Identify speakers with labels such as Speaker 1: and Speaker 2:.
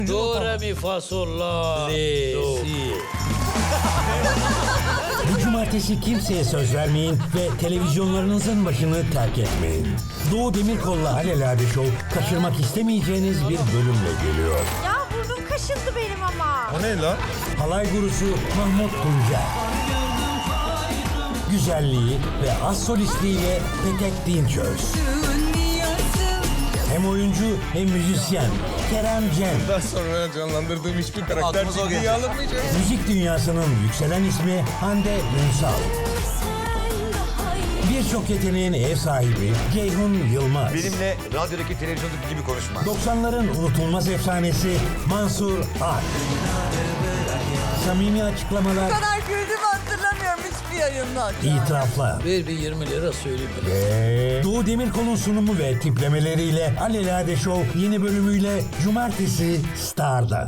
Speaker 1: Do, re, mi, fa, sol, la, do.
Speaker 2: Bu cumartesi kimseye söz vermeyin ve televizyonlarınızın başını terk etmeyin. Doğu Demirkol'la Alelade Show kaçırmak istemeyeceğiniz bir bölümle geliyor.
Speaker 3: Ya burnum kaşındı benim ama.
Speaker 4: O ne lan?
Speaker 2: Halay gurusu Mahmut Tuncer. Güzelliği ve az solistliğiyle Petek Dinçöz. Hem oyuncu hem müzisyen Kerem Cem.
Speaker 4: Daha sonra canlandırdığım hiçbir karakter
Speaker 5: Aklımıza o
Speaker 4: ciddiye
Speaker 5: gelecek.
Speaker 4: alınmayacak.
Speaker 2: Müzik dünyasının yükselen ismi Hande Ünsal. Birçok yeteneğin ev sahibi Ceyhun Yılmaz.
Speaker 5: Benimle radyodaki televizyondaki gibi konuşma.
Speaker 2: 90'ların unutulmaz efsanesi Mansur Ak. Samimi açıklamalar,
Speaker 6: Bu kadar güldüğümü hatırlamıyorum hiçbir yayından.
Speaker 2: itiraflar.
Speaker 1: Ver bir 20 lira söyleyeyim.
Speaker 2: Ve Doğu Demirkol'un sunumu ve tiplemeleriyle Alelade Show yeni bölümüyle Cumartesi Star'da.